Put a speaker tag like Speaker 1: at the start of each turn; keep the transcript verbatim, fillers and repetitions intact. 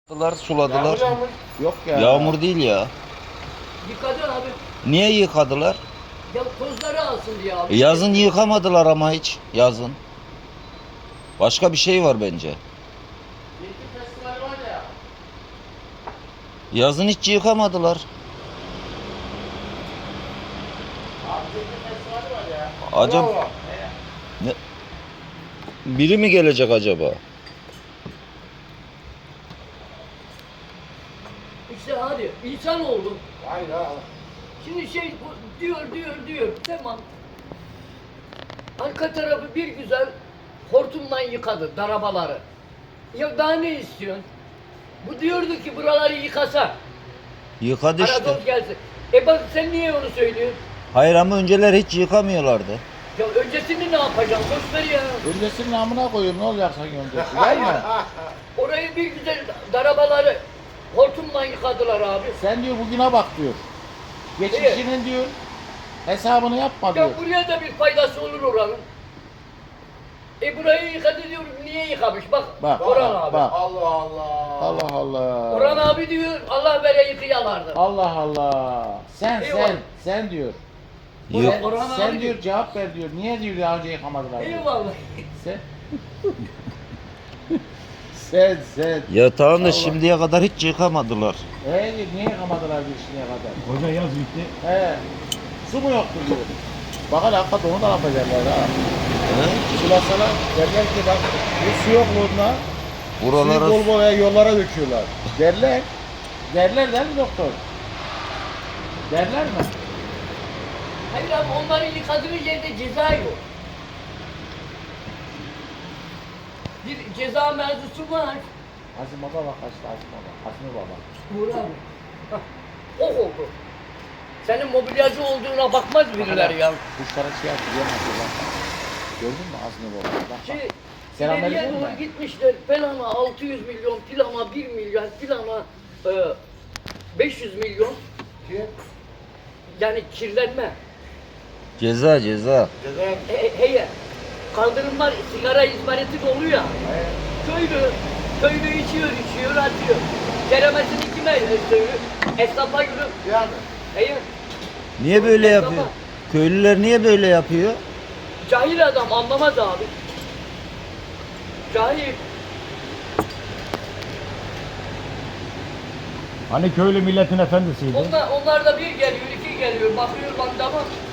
Speaker 1: Suladılar, suladılar.
Speaker 2: Yağmur yağmur. Yok ya.
Speaker 1: Yağmur değil ya.
Speaker 3: Yıkacaksın abi.
Speaker 1: Niye yıkadılar?
Speaker 3: Ya tozları alsın diye abi.
Speaker 1: E, Yazın yıkamadılar ama hiç. Yazın. Başka bir şey var bence.
Speaker 2: Zeytin festivali var ya.
Speaker 1: Yazın hiç yıkamadılar.
Speaker 2: Abi zeytin festivali var ya.
Speaker 1: Acaba
Speaker 2: Bravo.
Speaker 1: ne? Biri mi gelecek acaba?
Speaker 3: İşte hadi insan oldun.
Speaker 2: Hayır ha.
Speaker 3: Şimdi şey bu diyor diyor diyor. Tamam. Arka tarafı bir güzel hortumdan yıkadı darabaları. Ya daha ne istiyorsun? Bu diyordu ki buraları yıkasa.
Speaker 1: Yıkadı işte.
Speaker 3: Aradoz gelsin. E bak sen niye onu söylüyorsun?
Speaker 1: Hayır ama önceler hiç yıkamıyorlardı.
Speaker 3: Ya öncesini ne yapacaksın? Boş ver ya.
Speaker 2: Öncesinin amına koyayım ne olacak sanki öncesi değil mi?
Speaker 3: Orayı bir güzel darabaları hortumdan yıkadılar abi.
Speaker 2: Sen diyor bugüne bak diyor. Geçmişinin diyor hesabını yapma diyor.
Speaker 3: Ya buraya da bir faydası olur oranın. E burayı yıkadı diyorum, niye yıkamış? Bak,
Speaker 2: Bak,
Speaker 3: Orhan
Speaker 2: bak,
Speaker 3: abi.
Speaker 2: bak.
Speaker 4: Allah Allah.
Speaker 2: Allah Allah.
Speaker 3: Orhan abi diyor, Allah vere yıkayalardı.
Speaker 2: Allah Allah. Sen
Speaker 3: Eyvallah.
Speaker 2: sen sen diyor.
Speaker 1: Yok.
Speaker 2: Sen,
Speaker 3: Orhan
Speaker 2: sen
Speaker 3: abi
Speaker 2: diyor
Speaker 3: diyor.
Speaker 2: cevap ver diyor. Niye diyor daha önce yıkamadılar diyor.
Speaker 3: Eyvallah.
Speaker 2: Sen sen sen.
Speaker 1: Ya tamam da
Speaker 2: Allah.
Speaker 1: şimdiye kadar hiç yıkamadılar.
Speaker 2: Ee diyor, niye yıkamadılar diyor şimdiye kadar.
Speaker 4: Hoca yaz bitti.
Speaker 2: He. Su mu yoktu diyor. Bak hele hakikaten onu da yapacaklar ha.
Speaker 1: He?
Speaker 2: Sulasalar derler ki bak bu su yokluğunda
Speaker 1: Buralara
Speaker 2: suyu bol bol yollara döküyorlar. Derler. Derler değil mi doktor? Derler mi?
Speaker 3: Hayır abi onların yıkadığı yerde ceza yok. Bir ceza mevzusu var.
Speaker 2: Hasim Baba bak kaçtı Hasim Baba. Hasim Baba.
Speaker 3: Uğur abi. Hah, ok oldu. Senin mobilyacı olduğuna bakmaz birileri ya.
Speaker 2: Kuşlara şey yaptı yemezdi bak. Gördün mü Hasim Baba? Bak, bak.
Speaker 3: Şey,
Speaker 2: Selamünaleyküm
Speaker 3: ileriye doğru
Speaker 2: mi?
Speaker 3: gitmişler. Plana altı yüz milyon, plana bir milyar, plana e, beş yüz milyon. Yani kirlenme.
Speaker 1: ceza ceza.
Speaker 2: Ceza.
Speaker 3: He, heye, kaldırımlar sigara izmariti dolu ya. Köylü, köylü içiyor, içiyor, atıyor. Ceremesini kime söylüyor? Esnafa yürü.
Speaker 2: Yani.
Speaker 3: Heye,
Speaker 1: Niye böyle yapıyor? Köylüler niye böyle yapıyor?
Speaker 3: cahil adam anlamaz abi. Cahil.
Speaker 4: Hani köylü milletin efendisiydi.
Speaker 3: Onlar, onlar da bir geliyor, iki geliyor. Bakıyor lan tamam.